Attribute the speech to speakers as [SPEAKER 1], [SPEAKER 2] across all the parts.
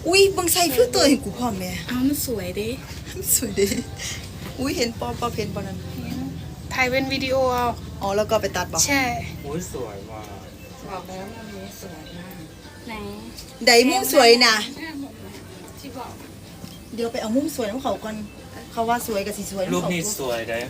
[SPEAKER 1] อุ้ยบังใส่ฟิลเตอร์ให้กูพร้อมแม่
[SPEAKER 2] อ้าวมันสวยดิ
[SPEAKER 1] สวยดีอุ้ยเห็นปอเพนปอนั้น
[SPEAKER 2] ถ่ายเป็นวิดีโอเอา
[SPEAKER 1] อ๋อแล้วก็ไปตัดบอก
[SPEAKER 2] ใช่
[SPEAKER 3] อุ้ยสวยว่ะ
[SPEAKER 2] บอกแล้วมันนี้สวยมากไหน
[SPEAKER 1] ไดมุมสวยนะ
[SPEAKER 2] ที่บอก
[SPEAKER 1] เดี๋ยวไปเอามุมสวยของเขาก่อนเขาว่าสวยกับสีสวย
[SPEAKER 3] รูปนี้สวยได้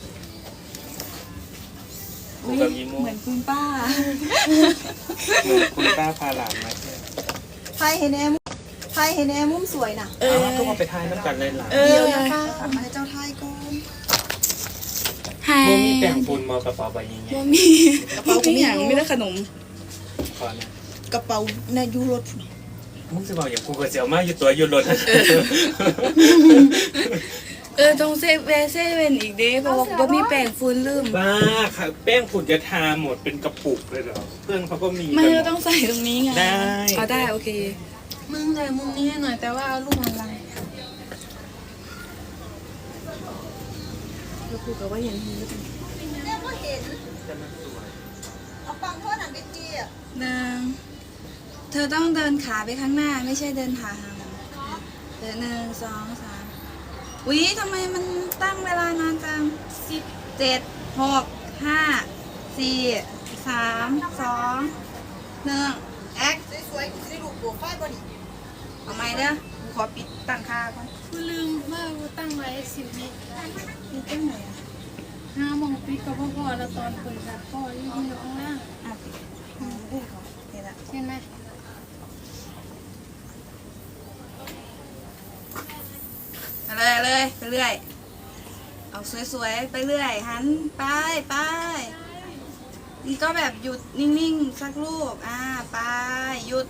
[SPEAKER 3] กูกับยีโม
[SPEAKER 1] เหมือนคุณป้า
[SPEAKER 3] เหมือนคุณป้าพาหลานมาใช่
[SPEAKER 1] ไพ่เห็นแอมไพ่เห็นแอมมุมสวยน่ะ
[SPEAKER 3] ก็มาไปทายน้ำกันเลยหลาน
[SPEAKER 1] เดี๋ยวนะคะเอามาให้เจ้าไทยก่อน
[SPEAKER 2] หาย
[SPEAKER 3] โมมีแต่งปูนมากระเป๋าใบยิงไง
[SPEAKER 2] บ่มีมีอย่างไม่ได้ขนม
[SPEAKER 3] ขอนะ
[SPEAKER 1] กระเป๋าในยูโร
[SPEAKER 3] มึงจะบอกอย่างกูกับเจียวมาอยู่ตัวอยู่รถ
[SPEAKER 2] ต้องเซเว่นอีกเด้เพราะว่าบ่มีแป้งฝุ่นลืม
[SPEAKER 3] บ้าค่ะแป้งฝุ่นจะทาหมดเป็นกระปุกเลยเหรอเพื่อนเขาก็มี
[SPEAKER 2] ไม่
[SPEAKER 3] กันห
[SPEAKER 2] เรา
[SPEAKER 3] มด
[SPEAKER 2] ต้องใส่ตรงนี้ไง
[SPEAKER 3] ได้
[SPEAKER 2] เอาได้โอเคมึงเลยมุมนี้หน่อยแต่ว่าเอารูปอะไร
[SPEAKER 1] แล้วกูก็ว่าเห็นหูแล้วกันเนี่ยก็เห็นเอาปังเท่านั้นไปทีอ่ะ
[SPEAKER 2] เธอต้องเดินขาไปข้างหน้าไม่ใช่เดินขาห่างเดิน1 2 3อุ๊ยทำไมมันตั้งเวลานานจัง10 7 6 5 4 3 2 1แอค
[SPEAKER 1] สวยๆกูจะได้ดูโปรไฟล์บ่ดิ
[SPEAKER 2] เอาไหมเด้อกูขอปิดตั้งค่าก่อน
[SPEAKER 4] กูลืมว่ากูตั้งไว้10 วิ
[SPEAKER 2] ปิดตั้งไหนอ่ะ
[SPEAKER 4] 5 โมงปิดก็พอแล้วตอนเปิดแบบพ่อยังอยู่ข้างล่าง
[SPEAKER 2] อ่ะปิดพูดก่อนเห็นละ
[SPEAKER 4] เห็นไหม
[SPEAKER 2] เลยไปเรื่อยเอาสวยๆไปเรื่อยหันไปนี่ก็แบบหยุดนิ่งๆสักรูปไปหยุด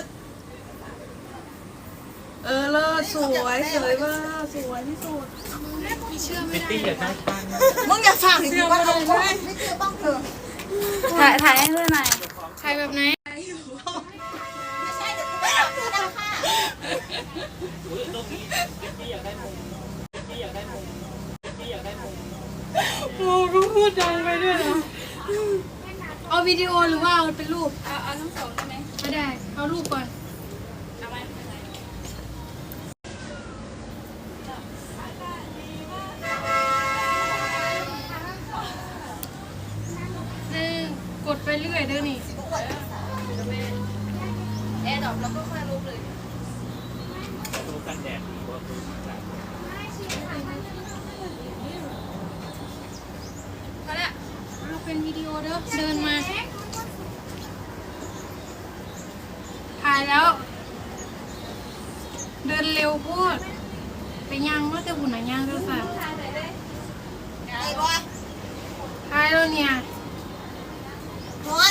[SPEAKER 2] เลิศสวยมากสวยที่สุด
[SPEAKER 4] พี่เชื่อไม่
[SPEAKER 3] พิต
[SPEAKER 4] ได้
[SPEAKER 3] ตี้อยากได้ปัง
[SPEAKER 1] มึงอย่าฝากถึงกูว่าเอาบ้างไม่เจอบ้างเถอะ
[SPEAKER 2] ถ่ายให้เพื่อนหน่อย
[SPEAKER 4] ใครแบบไหน
[SPEAKER 1] ไม่ใช่เดี๋ยวกูไม่เอาคือดังค่ะ
[SPEAKER 3] อุ้ยตรงนี้พิตตี้อยากได้มุมพิตตี้อยากได้มุมพิตตี้อยากได้มุม
[SPEAKER 4] โอ้ก็พูดดังไปด้วยนะเอาวิดีโอหรือว่าเอาเป็นรูปเอาทั้งสองได้ไหมไม่ได้เอารูปก่อนกดไปเรื่อยเด้อนี่
[SPEAKER 2] แอร์ดรอปแล้วก็ค่อยรูปเลย
[SPEAKER 3] ดูกันแดดดีกว่าดูกัน
[SPEAKER 2] พอละ
[SPEAKER 4] เอาเป็นวิดีโอเด้อเดินมาถ่ายแล้ว เดินเร็วพูดไปย่างว่าแต่หุ่นไหนย่างเด้อค่ะ
[SPEAKER 1] ไอ้บอย
[SPEAKER 4] ถ่ายแล้วเนี่ย
[SPEAKER 1] นอน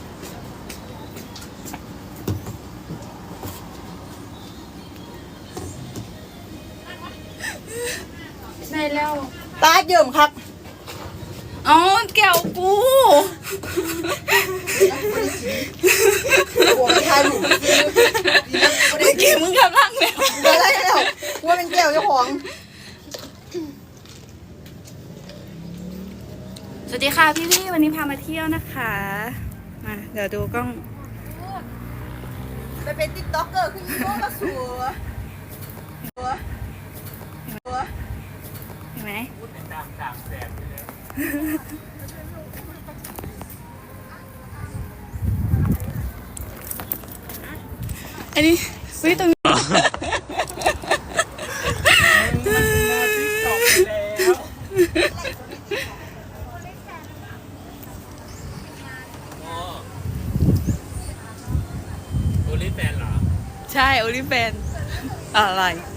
[SPEAKER 4] ได้แล้ว
[SPEAKER 1] ตาเยิ่มครับ
[SPEAKER 2] อ๋อแก้วกู
[SPEAKER 1] โอ้ยทายหนู
[SPEAKER 2] เมื่อกี้มึงกำลังแล้ว
[SPEAKER 1] เดี๋ยวอะไรแล้วว่าเป็นแก้วเจ้าของ
[SPEAKER 2] สวัสดีค่ะพี่วันนี้พามาเที่ยวนะคะมาเดี๋ยวดูกล้อง
[SPEAKER 1] ไปเป็นติ๊กต็อกเกอร์ขึ้นยี่ห้อมาสัว
[SPEAKER 2] เห็นไหม
[SPEAKER 3] ตามแสบเลย
[SPEAKER 2] อันนี้วิตรงนี้
[SPEAKER 3] โอลิแฟนเหรอ
[SPEAKER 2] ใช่โอลิแฟนอะไร